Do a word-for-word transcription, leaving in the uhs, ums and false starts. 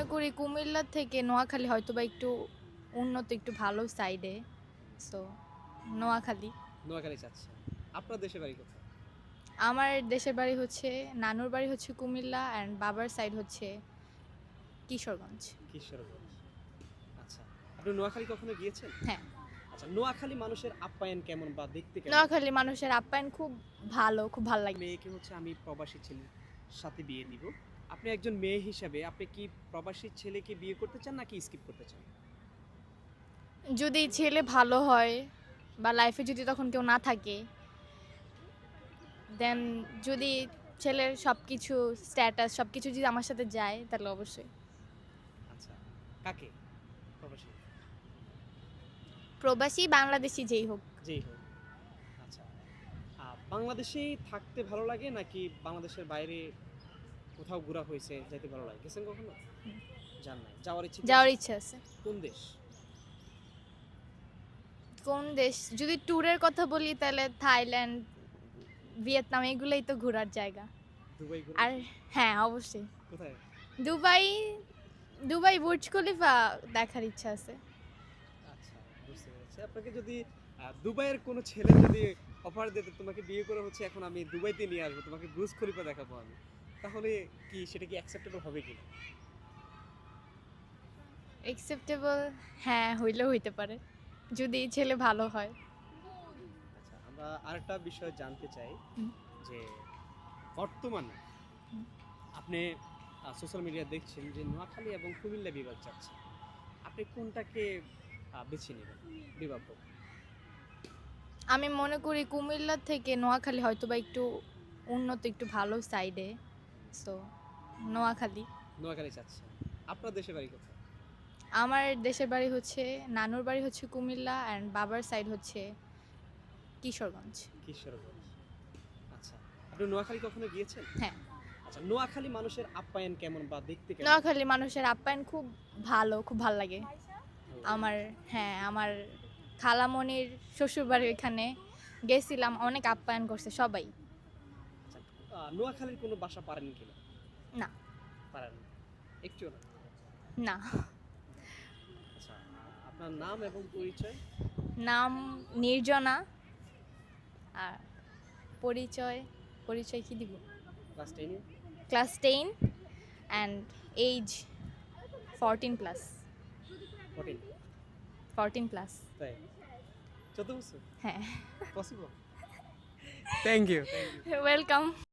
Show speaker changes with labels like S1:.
S1: করি কুমিল্লা থেকে নোয়াখালী হয়তো বা একটু উন্নত, একটু ভালো সাইডে। সো নোয়াখালী।
S2: নোয়াখালী চাচ্ছেন। আপনার দেশের বাড়ি কোথায়?
S1: আমার দেশের বাড়ি হচ্ছে, নানুর বাড়ি হচ্ছে কুমিল্লা অ্যান্ড বাবার সাইড হচ্ছে কিশোরগঞ্জ।
S2: কিশোরগঞ্জ। আচ্ছা। আপনি নোয়াখালী কখনো গিয়েছেন?
S1: হ্যাঁ,
S2: আচ্ছা, নোয়াখালী মানুষের আপ্যায়ন কেমন বা দেখতে কেমন?
S1: নোয়াখালী মানুষের আপ্যায়ন খুব ভালো, খুব ভালো লাগে।
S2: মেয়েকে হচ্ছে আমি প্রবাসী ছেলের সাথে বিয়ে দিব। আপনি একজন মেয়ে হিসাবে আপনি কি প্রবাসী ছেলেকে বিয়ে করতে চান নাকি স্কিপ করতে চান?
S1: যদি ছেলে ভালো হয় বা লাইফে যদি তখন কেউ না থাকে, দেন যদি ছেলের সব কিছু স্ট্যাটাস সব কিছু যদি আমার সাথে যায় তাহলে অবশ্যই।
S2: আচ্ছা। কাকে? প্রবাসী?
S1: প্রবাসী বাংলাদেশি যেই হোক।
S2: যেই হোক। আচ্ছা। আ বাংলাদেশেই থাকতে ভালো লাগে নাকি বাংলাদেশের বাইরে কোথাও ঘোরা হয়েছে, যাইতে ভালো লাগে? গেছেন কখনো? যান নাই। যাওয়ার ইচ্ছে কি
S1: যাওয়ার
S2: আছে?
S1: ইচ্ছা আছে।
S2: কোন দেশ?
S1: কোন দেশ যদি ট্যুরের কথা বলি তাহলে থাইল্যান্ড, ভিয়েতনাম এগুলোই তো ঘোরার জায়গা।
S2: দুবাই ঘুরে
S1: আর
S2: গেছেন?
S1: হ্যাঁ, অবশ্যই
S2: কোথায়?
S1: দুবাই। দুবাই বুর্জ খলিফা দেখার ইচ্ছা আছে।
S2: আচ্ছা, বুঝতে পেরেছি। আপনাকে যদি আ দুবাইয়ের কোনো ছেলে যদি অফার দিত তোমাকে বিয়ে করে হচ্ছে এখন আমি দুবাইতে নিয়ে আসবো, তোমাকে বুর্জ খলিফা দেখাবো আমি। তাহলে কি সেটা কি অ্যাকসেপ্টেবল হবে কিনা?
S1: একসেপ্টেবল, হ্যাঁ হইলেও হইতে পারে যদি ছেলে ভালো হয়।
S2: আচ্ছা, আমরা আরেকটা বিষয় জানতে চাই
S1: হুম।
S2: যে বর্তমানে
S1: হুম।
S2: আপনি আ সোশ্যাল মিডিয়া দেখছেন যে নোয়াখালী এবং কুমিল্লা বিভাগ চাচ্ছে। আপনি কোনটাকে আ বেছে নেবেন বিভাগ হোক?
S1: আমি মনে করি কুমিল্লা থেকে নোয়াখালী হয়তো বা একটু উন্নত, একটু ভালো সাইডে। সো নোয়াখালী।
S2: নোয়াখালী চাচ্ছেন। আপনার দেশের বাড়ি কোথায়?
S1: আমার দেশের বাড়ি হচ্ছে, নানুর বাড়ি হচ্ছে কুমিল্লা অ্যান্ড বাবার সাইড হচ্ছে কিশোরগঞ্জ।
S2: কিশোরগঞ্জ। আচ্ছা। আপনি নোয়াখালী কখনো গিয়েছেন?
S1: হ্যাঁ,
S2: আচ্ছা, নোয়াখালী মানুষের আপ্যায়ন কেমন বা দেখতে কেমন?
S1: নোয়াখালী মানুষের আপ্যায়ন খুব ভালো, খুব ভালো লাগে
S2: ভালো লাগে।
S1: আমার। হ্যাঁ, আমার খালামণির শ্বশুরবাড়ি ওইখানে গেছিলাম, অনেক আপ্যায়ন করছে সবাই।
S2: আচ্ছা, আ নোয়াখালীর কোনো ভাষা পারেন কিনা?
S1: না,
S2: পারেন না। একটুও না।
S1: না।
S2: আচ্ছা, আপনার নাম এবং পরিচয়?
S1: নাম নির্জনা। আর পরিচয়, পরিচয় কি দিব?
S2: ক্লাস টেন এ?
S1: Class ten and age fourteen plus.
S2: চোদ্দ?
S1: Fourteen plus.
S2: তাই? চৌদ্দ বছর?
S1: হ্যাঁ।
S2: Possible? Thank you, thank you.
S1: Welcome.